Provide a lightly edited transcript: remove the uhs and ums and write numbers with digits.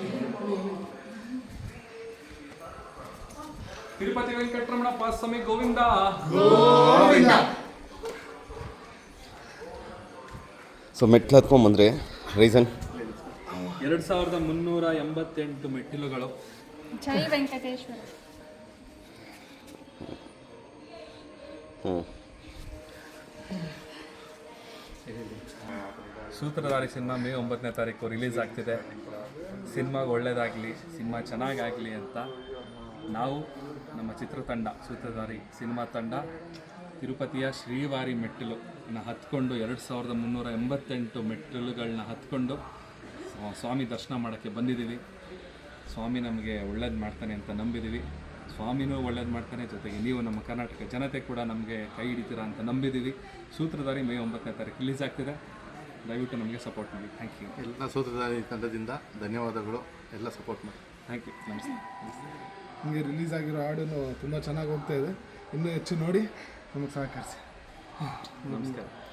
Tirupati Venkataramanappa Swami Govinda. So ಮೆಟ್ಲು ಹತ್ಕೊಂಡ್ಬಂದ್ರೆ reason 2388 ಮೆಟ್ಟಿಲುಗಳು. ಜೈ ವೆಂಕಟೇಶ್ವರ. ಸೂತ್ರಧಾರಿ ಸಿನಿಮಾ ಮೇ 9ನೇ ತಾರೀಕು ರಿಲೀಸ್ ಆಗ್ತಿದೆ. ಸಿನಿಮಾಗೆ ಒಳ್ಳೆಯದಾಗಲಿ, ಸಿನಿಮಾ ಚೆನ್ನಾಗಾಗಲಿ ಅಂತ ನಾವು ನಮ್ಮ ಚಿತ್ರತಂಡ ಸೂತ್ರಧಾರಿ ಸಿನಿಮಾ ತಂಡ ತಿರುಪತಿಯ ಶ್ರೀವಾರಿ ಮೆಟ್ಟಿಲನ್ನ ಹತ್ಕೊಂಡು 2388 ಮೆಟ್ಟಿಲುಗಳನ್ನ ಹತ್ಕೊಂಡು ಸ್ವಾಮಿ ದರ್ಶನ ಮಾಡೋಕ್ಕೆ ಬಂದಿದ್ದೀವಿ. ಸ್ವಾಮಿ ನಮಗೆ ಒಳ್ಳೇದು ಮಾಡ್ತಾನೆ ಅಂತ ನಂಬಿದ್ದೀವಿ. ಸ್ವಾಮಿನೂ ಒಳ್ಳೇದು ಮಾಡ್ತಾನೆ, ಜೊತೆಗೆ ನೀವು ನಮ್ಮ ಕರ್ನಾಟಕ ಜನತೆ ಕೂಡ ನಮಗೆ ಕೈ ಹಿಡಿತೀರಾ ಅಂತ ನಂಬಿದ್ದೀವಿ. ಸೂತ್ರಧಾರಿ ಮೇ 9ನೇ ತಾರೀಕು ರಿಲೀಸ್ ಆಗ್ತಿದೆ. ದಯವಿಟ್ಟು ನಮಗೆ ಸಪೋರ್ಟ್ ಮಾಡಿ. Thank you. ಎಲ್ಲ ಸೂತ್ರಧಾರಿ ತಂಡದಿಂದ ಧನ್ಯವಾದಗಳು. ಎಲ್ಲ ಸಪೋರ್ಟ್ ಮಾಡಿ. Thank you. ನಮಸ್ತೆ. ಹಿಂಗೆ ರಿಲೀಸ್ ಆಗಿರೋ ಹಾಡು ತುಂಬ ಚೆನ್ನಾಗಿ ಹೋಗ್ತಾ ಇದೆ. ಇನ್ನೂ ಹೆಚ್ಚು ನೋಡಿ ನಮಗೆ ಸಹಕರಿಸಿ. ನಮಸ್ಕಾರ.